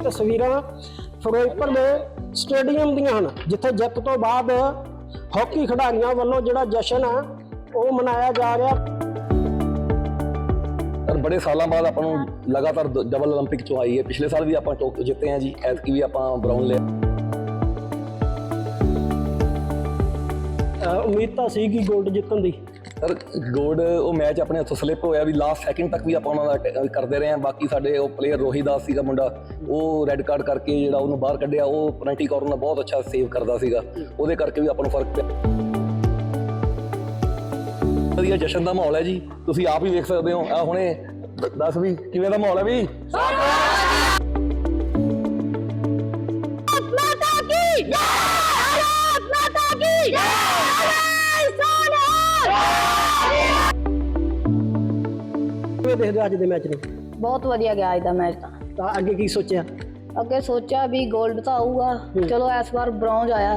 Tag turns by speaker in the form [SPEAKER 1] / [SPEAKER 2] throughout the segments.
[SPEAKER 1] ਤਸਵੀਰਾਂ ਫਿਰੋਜ਼ਪੁਰ ਦੇ ਸਟੇਡੀਅਮ ਦੀਆਂ ਹਨ, ਜਿੱਥੇ ਜਿੱਤ ਤੋਂ ਬਾਅਦ ਹਾਕੀ ਖਿਡਾਰੀਆਂ ਵੱਲੋਂ ਜਿਹੜਾ ਜਸ਼ਨ ਹੈ ਉਹ ਮਨਾਇਆ ਜਾ ਰਿਹਾ।
[SPEAKER 2] ਪਰ ਬੜੇ ਸਾਲਾਂ ਬਾਅਦ ਆਪਾਂ ਨੂੰ ਲਗਾਤਾਰ ਡਬਲ 올림픽 ਚੋਂ ਆਈ ਹੈ। ਪਿਛਲੇ ਸਾਲ ਵੀ ਆਪਾਂ ਟੋਕੀਓ ਜਿੱਤੇ ਹਾਂ ਜੀ, ਐਤਕੀ ਵੀ ਆਪਾਂ ਬ੍ਰਾਊਨ ਲਿਆ।
[SPEAKER 1] ਉਮੀਦ ਤਾਂ ਸੀ ਕਿ ਗੋਲਡ ਜਿੱਤਣ ਦੀ,
[SPEAKER 2] ਸਰ ਗੋਲਡ ਉਹ ਮੈਚ ਆਪਣੇ ਹੱਥੋਂ ਸਲਿੱਪ ਹੋਇਆ ਵੀ ਲਾਸਟ ਸੈਕਿੰਡ ਤੱਕ ਵੀ ਆਪਾਂ ਉਹਨਾਂ ਦਾ ਕਰਦੇ ਰਹੇ ਹਾਂ। ਬਾਕੀ ਸਾਡੇ ਉਹ ਪਲੇਅਰ ਰੋਹੀ ਦਾਸ ਸੀਗਾ ਮੁੰਡਾ, ਉਹ ਰੈੱਡ ਕਾਰਡ ਕਰਕੇ ਜਿਹੜਾ ਉਹਨੂੰ ਬਾਹਰ ਕੱਢਿਆ, ਉਹ ਪੈਨਲਟੀ ਕਾਰਨਰ ਬਹੁਤ ਅੱਛਾ ਸੇਵ ਕਰਦਾ ਸੀਗਾ, ਉਹਦੇ ਕਰਕੇ ਵੀ ਆਪਾਂ ਨੂੰ ਫਰਕ ਪਿਆ। ਵਧੀਆ ਜਸ਼ਨ ਦਾ ਮਾਹੌਲ ਹੈ ਜੀ, ਤੁਸੀਂ ਆਪ ਹੀ ਵੇਖ ਸਕਦੇ ਹੋ। ਆ ਹੁਣੇ ਦੱਸ ਵੀ ਕਿਵੇਂ ਦਾ ਮਾਹੌਲ ਹੈ ਵੀ।
[SPEAKER 1] ਕਿਵੇਂ ਦੇਖਦੇ ਹੋ ਅੱਜ ਦੇ ਮੈਚ ਨੂੰ?
[SPEAKER 3] ਬਹੁਤ ਵਧੀਆ ਗਿਆ ਅੱਜ ਦਾ ਮੈਚ
[SPEAKER 1] ਤਾਂ ਅੱਗੇ ਕੀ ਸੋਚਿਆ?
[SPEAKER 3] ਅੱਗੇ ਸੋਚਿਆ ਵੀ 골ਡ ਤਾਂ ਆਊਗਾ, ਚਲੋ ਇਸ ਵਾਰ ਬ੍ਰੌਂਜ ਆਇਆ।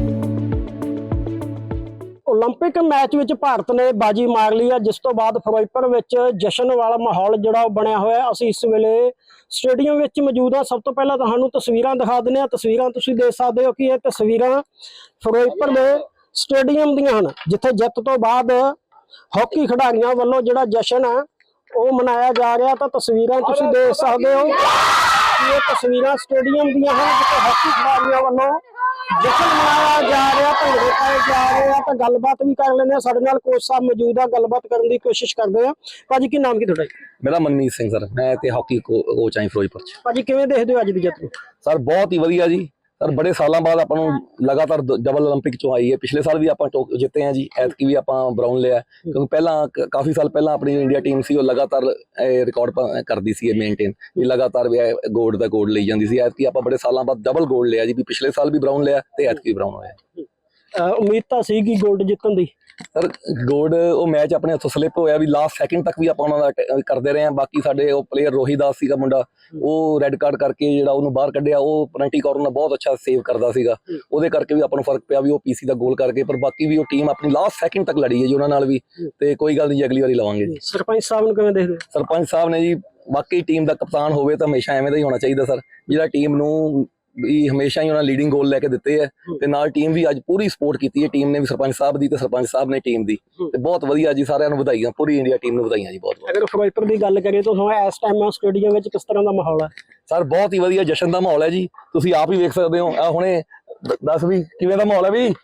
[SPEAKER 1] 올림픽 ਮੈਚ ਵਿੱਚ ਭਾਰਤ ਨੇ ਬਾਜੀ ਮਾਰ ਲਈ ਹੈ, ਜਿਸ ਤੋਂ ਬਾਅਦ ਫਿਰੋਜ਼ਪੁਰ ਵਿੱਚ ਜਸ਼ਨ ਵਾਲਾ ਮਾਹੌਲ ਜਿਹੜਾ ਉਹ ਬਣਿਆ ਹੋਇਆ। ਅਸੀਂ ਇਸ ਵੇਲੇ ਸਟੇਡੀਅਮ ਵਿੱਚ ਮੌਜੂਦ ਹਾਂ। ਸਭ ਤੋਂ ਪਹਿਲਾਂ ਤੁਹਾਨੂੰ ਤਸਵੀਰਾਂ ਦਿਖਾ ਦਿੰਦੇ ਹਾਂ। ਤਸਵੀਰਾਂ ਤੁਸੀਂ ਦੇਖ ਸਕਦੇ ਹੋ ਕਿ ਇਹ ਤਸਵੀਰਾਂ ਫਿਰੋਜ਼ਪੁਰ ਦੇ ਸਟੇਡੀਅਮ ਦੀਆਂ ਹਨ, ਜਿੱਥੇ ਜਿੱਤ ਤੋਂ ਬਾਅਦ ਹਾਕੀ ਖਿਡਾਰੀਆਂ ਵੱਲੋਂ ਜਿਹੜਾ ਜਸ਼ਨ ਹੈ ਉਹ ਮਨਾਇਆ ਜਾ ਰਿਹਾ। ਤਾਂ ਤਸਵੀਰਾਂ ਤੁਸੀਂ ਦੇਖ ਸਕਦੇ ਹੋ ਕਿ ਇਹ ਤਸਵੀਰਾਂ ਸਟੇਡੀਅਮ ਦੀਆਂ ਹਨ, ਜਿੱਥੇ ਹਾਕੀ ਖਿਡਾਰੀਆਂ ਵੱਲੋਂ ਜਸ਼ਨ ਮਨਾਇਆ ਜਾ ਰਿਹਾ, ਭੰਗੜੇ ਪਾਏ ਜਾ ਰਹੇ ਆ। ਤਾਂ ਗੱਲਬਾਤ ਵੀ ਕਰ ਲੈਂਦੇ ਆ, ਸਾਡੇ ਨਾਲ ਕੋਚ ਸਾਹਿਬ ਮੌਜੂਦ ਆ, ਗੱਲਬਾਤ ਕਰਨ ਦੀ ਕੋਸ਼ਿਸ਼ ਕਰਦੇ ਆ। ਭਾਜੀ ਕੀ ਨਾਮ ਕੀ ਤੁਹਾਡਾ?
[SPEAKER 2] ਮੇਰਾ ਮਨਮੀਤ ਸਿੰਘ ਸਰ, ਮੈਂ ਤੇ ਹਾਕੀ ਕੋਚ ਆਂ ਫਿਰੋਜ਼ਪੁਰ ਚ।
[SPEAKER 1] ਭਾਜੀ ਕਿਵੇਂ ਦੇਖਦੇ ਹੋ ਅੱਜ ਦੀ ਜਿੱਤ ਨੂੰ?
[SPEAKER 2] ਸਰ ਬਹੁਤ ਹੀ ਵਧੀਆ ਜੀ, ਸਰ ਬੜੇ ਸਾਲਾਂ ਬਾਅਦ ਆਪਾਂ ਨੂੰ ਲਗਾਤਾਰ ਡਬਲ 올림픽 ਚੋਂ ਆਈ ਹੈ। ਪਿਛਲੇ ਸਾਲ ਵੀ ਆਪਾਂ ਟੋਕੀਓ ਜਿੱਤੇ ਹਾਂ ਜੀ, ਐਤਕੀ ਵੀ ਆਪਾਂ ਬ੍ਰਾਊਨ ਲਿਆ। ਕਿਉਂਕਿ ਪਹਿਲਾਂ ਕਾਫੀ ਸਾਲ ਪਹਿਲਾਂ ਆਪਣੀ ਇੰਡੀਆ ਟੀਮ ਸੀ, ਉਹ ਲਗਾਤਾਰ ਰਿਕਾਰਡ ਕਰਦੀ ਸੀ ਮੇਨਟੇਨ, ਵੀ ਲਗਾਤਾਰ ਵੀ ਗੋਲਡ ਦਾ ਗੋਲਡ ਲਈ ਜਾਂਦੀ ਸੀ। ਐਤਕੀ ਆਪਾਂ ਬੜੇ ਸਾਲਾਂ ਬਾਅਦ ਡਬਲ ਗੋਲਡ ਲਿਆ ਜੀ, ਵੀ ਪਿਛਲੇ ਸਾਲ ਵੀ ਬ੍ਰਾਊਨ ਲਿਆ ਤੇ ਐਤਕੀ ਵੀ ਬ੍ਰਾਊਨ ਹੋਇਆ।
[SPEAKER 1] ਉਮੀਦ ਤਾਂ ਸੀ ਕਿ ਗੋਲਡ ਜਿੱਤਣ ਦੀ,
[SPEAKER 2] ਸਰ ਗੋਲਡ ਉਹ ਮੈਚ ਆਪਣੇ ਹੱਥੋਂ ਸਲਿੱਪ ਹੋਇਆ ਵੀ ਲਾਸਟ ਸੈਕਿੰਡ ਤੱਕ ਵੀ ਆਪਾਂ ਉਹਨਾਂ ਦਾ ਕਰਦੇ ਰਹੇ ਹਾਂ। ਬਾਕੀ ਸਾਡੇ ਉਹ ਪਲੇਅਰ ਰੋਹੀ ਦਾਸ ਸੀਗਾ ਮੁੰਡਾ, ਉਹ ਰੈੱਡ ਕਾਰਡ ਕਰਕੇ ਜਿਹੜਾ ਉਹਨੂੰ ਬਾਹਰ ਕੱਢਿਆ, ਉਹ ਪੈਨਲਟੀ ਕਾਰਨਰ ਬਹੁਤ ਅੱਛਾ ਸੇਵ ਕਰਦਾ ਸੀਗਾ, ਉਹਦੇ ਕਰਕੇ ਵੀ ਆਪਾਂ ਨੂੰ ਫਰਕ ਪਿਆ ਵੀ ਉਹ ਪੀਸੀ ਦਾ ਗੋਲ ਕਰਕੇ। ਪਰ ਬਾਕੀ ਵੀ ਉਹ ਟੀਮ ਆਪਣੀ ਲਾਸਟ ਸੈਕਿੰਡ ਤੱਕ ਲੜੀ ਹੈ ਜੀ ਉਹਨਾਂ ਨਾਲ ਵੀ, ਤੇ ਕੋਈ ਗੱਲ ਨਹੀਂ, ਅਗਲੀ ਵਾਰੀ ਲਵਾਂਗੇ ਜੀ।
[SPEAKER 1] ਸਰਪੰਚ ਸਾਹਿਬ ਨੂੰ ਕਿਵੇਂ ਦੇਖਦੇ ਹੋ?
[SPEAKER 2] ਸਰਪੰਚ ਸਾਹਿਬ ਨੇ ਜੀ, ਬਾਕੀ ਟੀਮ ਦਾ ਕਪਤਾਨ ਹੋਵੇ ਤਾਂ ਹਮੇਸ਼ਾ ਐਵੇਂ ਦਾ ਹੀ ਹੋਣਾ ਚਾਹੀਦਾ ਸਰ, ਜਿਹੜਾ ਟੀਮ ਨੂੰ ਵੀ ਹਮੇਸ਼ਾ ਹੀ ਉਹਨਾਂ ਲੀਡਿੰਗ ਗੋਲ ਲੈ ਕੇ ਦਿੱਤੇ ਹੈ, ਤੇ ਨਾਲ ਟੀਮ ਵੀ ਅੱਜ ਪੂਰੀ ਸਪੋਰਟ ਕੀਤੀ ਹੈ। ਟੀਮ ਨੇ ਵੀ ਸਰਪੰਚ ਸਾਹਿਬ ਦੀ ਤੇ ਸਰਪੰਚ ਸਾਹਿਬ ਨੇ ਟੀਮ ਦੀ, ਤੇ ਬਹੁਤ ਵਧੀਆ ਜੀ, ਸਾਰਿਆਂ ਨੂੰ ਵਧਾਈਆਂ, ਪੂਰੀ ਇੰਡੀਆ ਟੀਮ ਨੂੰ ਵਧਾਈਆਂ ਜੀ। ਬਹੁਤ
[SPEAKER 1] ਅਗਰ ਫਿਰੋਜ਼ਪੁਰ ਦੀ ਗੱਲ ਕਰੀਏ ਤਾਂ ਇਸ ਟਾਈਮ ਸਟੇਡੀਅਮ ਵਿੱਚ ਕਿਸ ਤਰ੍ਹਾਂ ਦਾ ਮਾਹੌਲ ਹੈ?
[SPEAKER 2] ਸਰ ਬਹੁਤ ਹੀ ਵਧੀਆ ਜਸ਼ਨ ਦਾ ਮਾਹੌਲ ਹੈ ਜੀ, ਤੁਸੀਂ ਆਪ ਹੀ ਵੇਖ ਸਕਦੇ ਹੋ। ਆ ਹੁਣੇ ਦੱਸ ਵੀ ਕਿਵੇਂ ਦਾ ਮਾਹੌਲ ਹੈ ਵੀ।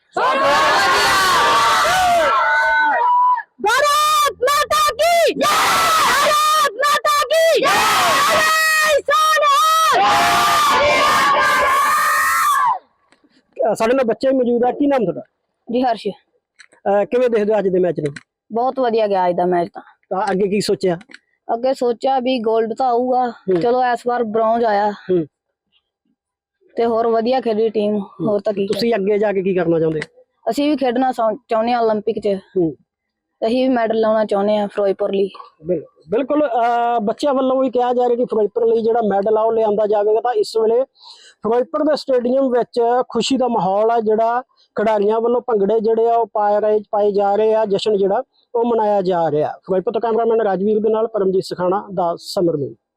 [SPEAKER 1] ਸਾਡੇ ਨਾਲ ਬੱਚੇ ਮੌਜੂਦ ਆ, ਕੀ ਨਾਮ ਤੁਹਾਡਾ?
[SPEAKER 3] ਜੀ ਹਰਸ਼।
[SPEAKER 1] ਕਿਵੇਂ ਦੇਖਦੇ ਹੋ ਅੱਜ ਦੇ ਮੈਚ ਨੂੰ?
[SPEAKER 3] ਬਹੁਤ ਵਧੀਆ ਗਿਆ ਅੱਜ ਦਾ ਮੈਚ
[SPEAKER 1] ਤਾਂ ਅੱਗੇ ਕੀ ਸੋਚਿਆ?
[SPEAKER 3] ਅੱਗੇ ਸੋਚਿਆ ਵੀ 골ਡ ਤਾਂ ਆਊਗਾ, ਚਲੋ ਇਸ ਵਾਰ ਬ੍ਰੌਂਜ ਆਇਆ ਤੇ ਹੋਰ ਵਧੀਆ ਖੇਡੀ ਟੀਮ। ਹੋਰ ਤਾਂ ਕੀ,
[SPEAKER 1] ਤੁਸੀਂ ਅੱਗੇ ਜਾ ਕੇ ਕੀ ਕਰਨਾ ਚਾਹੁੰਦੇ?
[SPEAKER 3] ਅਸੀਂ ਵੀ ਖੇਡਣਾ ਚਾਹੁੰਦੇ ਹਾਂ 올림픽 'ਚ, ਅਸੀਂ ਵੀ ਮੈਡਲ ਲਾਉਣਾ ਚਾਹੁੰਦੇ ਹਾਂ ਫਿਰੋਜ਼ਪੁਰ ਲਈ।
[SPEAKER 1] ਬਿਲਕੁਲ ਬੱਚਿਆਂ ਵੱਲੋਂ ਵੀ ਕਿਹਾ ਜਾ ਰਿਹਾ ਕਿ ਫਿਰੋਜ਼ਪੁਰ ਲਈ ਜਿਹੜਾ ਮੈਡਲ ਆ ਉਹ ਲਿਆਂਦਾ ਜਾਵੇਗਾ। ਤਾਂ ਇਸ ਵੇਲੇ ਫਿਰੋਜ਼ਪੁਰ ਦੇ ਸਟੇਡੀਅਮ ਵਿੱਚ ਖੁਸ਼ੀ ਦਾ ਮਾਹੌਲ ਆ, ਜਿਹੜਾ ਖਿਡਾਰੀਆਂ ਵੱਲੋਂ ਭੰਗੜੇ ਜਿਹੜੇ ਆ ਉਹ ਪਾਏ ਜਾ ਰਹੇ ਆ, ਜਸ਼ਨ ਜਿਹੜਾ ਉਹ ਮਨਾਇਆ ਜਾ ਰਿਹਾ। ਫਿਰੋਜ਼ਪੁਰ ਤੋਂ ਕੈਮਰਾਮੈਨ ਰਾਜਵੀਰ ਦੇ ਨਾਲ ਪਰਮਜੀਤ ਸਖਾਣਾ ਦਾ ਸਮਰ।